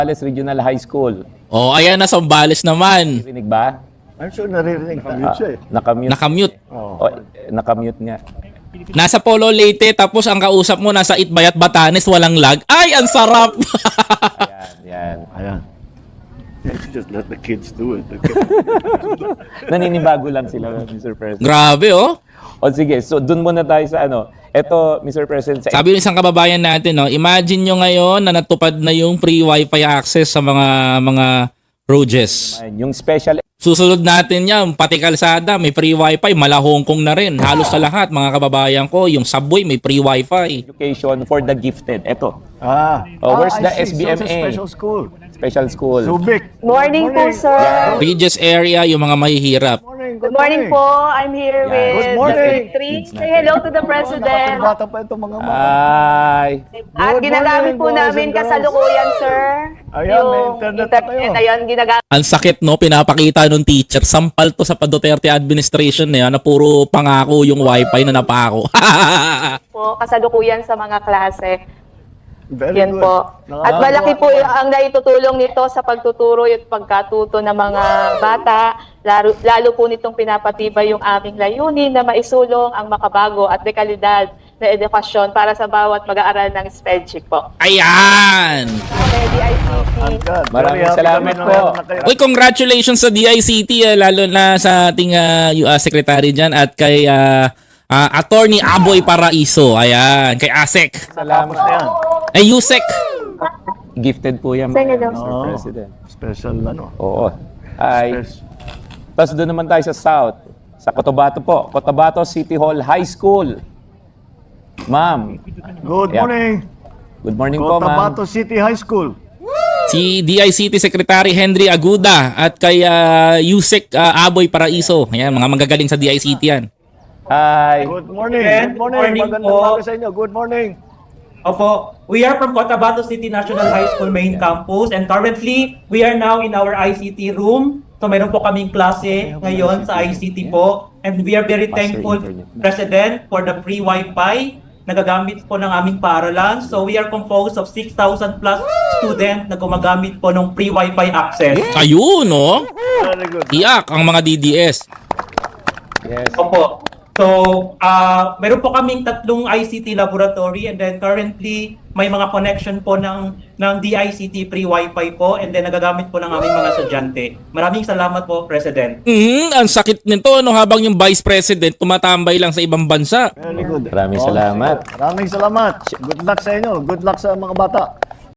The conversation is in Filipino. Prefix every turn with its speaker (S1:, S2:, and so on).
S1: Sambales Regional High School.
S2: Oh, ayan na, Sambales naman.
S1: Rinig ba?
S3: I'm sure naririnig na.
S1: Nakamute.
S2: Nakamute.
S1: Oh, nakamute nga.
S2: Nasa Polo Leyte, tapos ang kausap mo nasa Itbayat, Batanes, walang lag. Ay, ang sarap!
S1: Yan.
S3: Ayan. Just let the kids do it.
S1: Naninibago lang sila, Mr. President.
S2: Grabe, oh.
S1: O sige, so dun muna tayo sa ano. Ito, Mr. President, sa
S2: Sabi ng isang kababayan natin, no, imagine nyo ngayon na natupad na yung free wifi access sa mga roads.
S1: yung special
S2: Susunod natin yan, pati kalsada, may free wifi, mala Hong Kong na rin. Halos sa lahat, mga kababayan ko, yung subway may free wifi.
S1: education for the gifted. Ito, where's the
S3: I see. So it's a
S1: SBMA?
S3: special school.
S1: Special school.
S3: Subic.
S4: Morning po, sir.
S2: Regis area, yung mga mahihirap.
S4: Good morning po. I'm here with
S3: Good morning.
S4: District 3. Say hello to the President.
S3: Bata pa itong mga mga.
S1: Ay,
S4: At
S3: Good
S4: ginagamit
S3: morning,
S4: po
S3: boys
S4: namin
S3: and girls.
S4: kasalukuyan, sir.
S3: Ayan, may internet na kayo.
S4: Ayan, ginagamit
S2: Ang sakit, no, pinapakita nung teacher. Sampal to sa Duterte administration na yan, na puro pangako yung wifi na napako.
S4: po kasalukuyan sa mga klase.
S3: Very
S4: Yan
S3: good.
S4: po. At malaki po ang naitutulong nito sa pagtuturo at pagkatuto ng mga bata. Lalo po nitong pinapatibay yung aming layunin na maisulong ang makabago at dekalidad na edukasyon para sa bawat mag-aaral ng spellcheck po.
S2: Ayan!
S4: DICT.
S3: God,
S1: Maraming
S3: very happy
S1: salamat
S3: kami na
S1: po.
S3: meron na kayo.
S2: Uy, congratulations sa DICT, lalo na sa ating secretary dyan at kay Attorney Aboy Paraiso. Ayan, kay ASEC.
S3: Tapos na yan.
S2: Ay, USEC.
S1: gifted po yan,
S4: Sige daw.
S1: Mr. President.
S3: Special ano.
S1: Oo. Ay,
S3: Special.
S1: tapos doon naman tayo sa South. Sa Cotabato po. Cotabato City Hall High School. Ma'am.
S3: Good
S1: Yeah.
S3: morning.
S1: Good morning po, ma'am.
S3: Cotabato City High School.
S2: Si DICT Secretary Henry Aguda at kay USEC Aboy Paraiso. Ayan, mga magagaling sa DICT yan.
S1: Hi.
S3: Good morning.
S5: Good
S3: Good morning.
S5: morning
S3: Magandang
S5: po.
S3: umaga sa inyo. Good morning.
S5: Opo, we are from Cotabato City National High School main campus and currently we are now in our ICT room. So mayroon po kaming klase ngayon sa ICT po and we are very thankful, President, for the free Wi-Fi na gagamit po ng aming paaralan. So we are composed of 6,000 plus students na gumagamit po ng free Wi-Fi access.
S2: Ayun, no?
S3: Very good.
S2: Iyak ang mga DDS.
S1: Yes.
S5: Opo. So, meron po kaming tatlong ICT laboratory and then currently may mga connection po ng DICT free Wi-Fi po and then nagagamit po ng aming mga estudyante. Maraming salamat po, President.
S2: Ang sakit nito, no, habang yung Vice President tumatambay lang sa ibang bansa.
S3: Very good.
S1: Maraming salamat.
S3: Maraming salamat. Good luck sa inyo. Good luck sa mga bata.